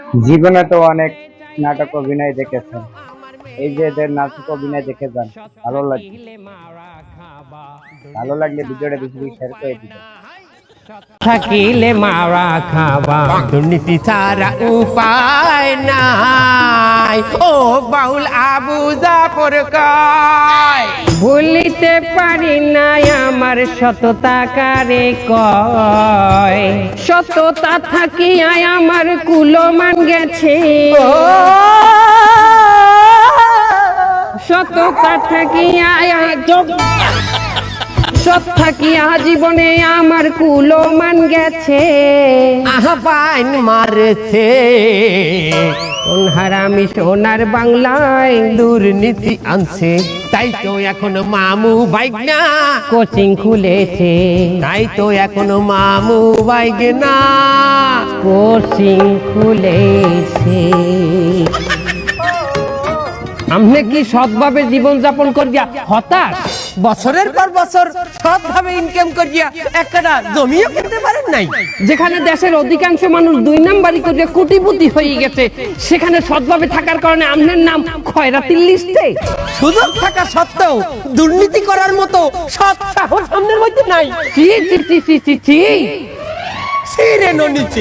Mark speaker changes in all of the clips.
Speaker 1: জীবনে তো অনেক নাটক অভিনয় দেখেছেন, এই যে এদের নাটক অভিনয় দেখে যান, ভালো লাগে। ভালো লাগলে ভিডিওটা বেশি বেশি শেয়ার করে দিবেন।
Speaker 2: থাকিলে মারা খাবা, দুর্নীতি ছাড়া উপায় নাই। ও বাউল আবু জাফর কয়, ভুলিতে পারি নাই আমার সততা কারে কয়। সততা থাকিয়া আমার কুলমান গেছে, সততা থাকিয়া সব থাকিয়া জীবনে আমার কুলমান গেছে। আহ্বান মারছে কোন হারামি সোনার বাংলায় দুর্নীতি আনছে। তাই তো এখন মামু বাইক না কোচিং খুলেছে, তাই তো এখন মামু বাইক না কোচিং খুলেছে। আমনে কি সৎভাবে জীবন যাপন করিয়া হতাশ? বছরের পর বছর সৎভাবে ইনকাম করিয়া একটা জমিও কিনতে পারেন নাই। যেখানে দেশের অধিকাংশ মানুষ 2 নাম্বারি করিয়া কোটিপতি হয়ে গেছে, সেখানে সৎভাবে থাকার কারণে আমনের নাম খয়রাতির লিস্টে। সুযোগ থাকা সত্ত্বেও দুর্নীতি করার মতো সৎ সাহস আমনের মধ্যে নাই। চি চি চি চি চি চি ছিরে ননিচি।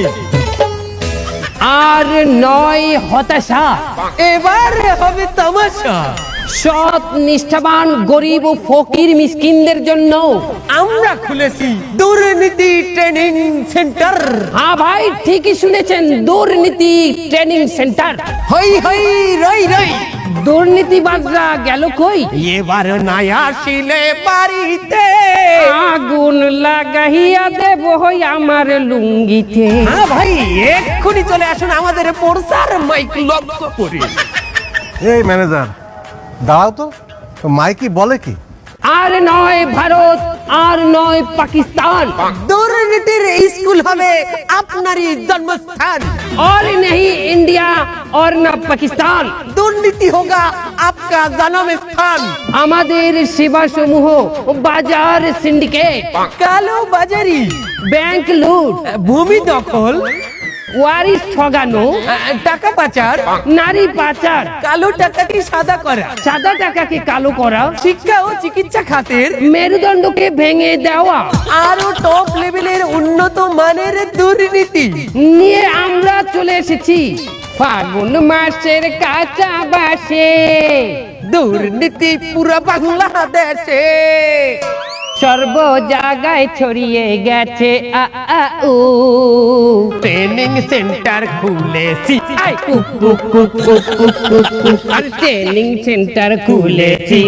Speaker 2: আর নয় হতাশা, এবারে হবে তামাশা। সৎ নিষ্ঠাবান গরিব ও ফকির মিসকিনদের জন্য আমরা খুলেছি দুর্নীতি ট্রেনিং সেন্টার। হ্যাঁ ভাই, ঠিকই শুনেছেন, দুর্নীতি ট্রেনিং সেন্টার। হই হই রই রই, দুর্নীতিবাজরা গেল কই? এবার নাই আসিলে বাড়িতে আগুন লাগাইয়া দেব হই আমার লুঙ্গিতে। হ্যাঁ ভাই, এক্ষুনি চলে আসুন আমাদের প্রচার মাইক লক্ষ্য করে।
Speaker 3: এই ম্যানেজার দাঁড়াও তো, মাইকি বলে কি?
Speaker 2: আর নয় ভারত, আর নয় পাকিস্তান, দুর্নীতির স্কুল হবে আপনারই জন্মস্থান। और नहीं इंडिया और ना पाकिस्तान, দুর্নীতি হোগা आपका जन्म स्थान। আমাদের সেবা সমূহ বাজার সিন্ডিকেট, কালো বাজারি, ব্যাংক লুট, ভূমি দখল, ওয়ারিশ ঠগানো, টাকা পাচার, নারী পাচার, কালো টাকাকে সাদা করা, সাদা টাকাকে কালো করা, শিক্ষা ও চিকিৎসা খাতের মেরুদণ্ডকে ভেঙে দেওয়া, আরো টপ লেভেলের উন্নত মানের দুর্নীতি নিয়ে আমরা চলে এসেছি ফাগুন মাসের কাঁচা বাসে। দুর্নীতি পুরো বাংলাদেশে সর্ব জায়গায় ছড়িয়ে গেছে। ট্রেনিং সেন্টার খুলেছি, ট্রেনিং সেন্টার খুলেছি।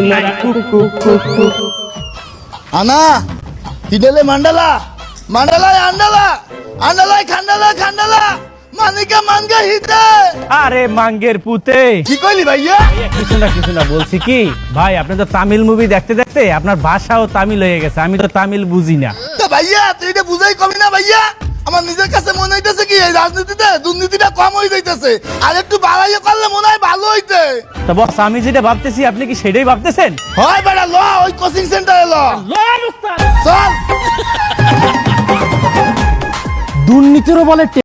Speaker 4: আনা হিডেলে মান্ডালা মান্ডালায় আন্ডালা আন্ডালায় খান্ডালা খান্ডালা মানিকা মানগা হিতে।
Speaker 5: আরে মাঙ্গের পুতে,
Speaker 4: কি কইলি ভাইয়া?
Speaker 5: কিছু না বলছি কি ভাই, আপনি তো তামিল মুভি দেখতে দেখতে আপনার ভাষাও তামিল হয়ে গেছে, আমি তো তামিল বুঝি না।
Speaker 4: তো ভাইয়া তুই এটা বুঝাই কমি না ভাইয়া। আমার নিজের কাছে মনে হইতেছে কি এই রাজনীতিতে দুর্নীতিটা কম হয়ে যাইতেছে, আর একটু বাড়াইয়া করলে মনে হয় ভালো হইতে।
Speaker 5: তো বস, আমি যেটা ভাবতেছি আপনি কি সেটাই ভাবতেছেন?
Speaker 4: হয় বেটা, ল ওই কোচিং সেন্টারে ল। চল।
Speaker 5: দুর্নীতিরও বলে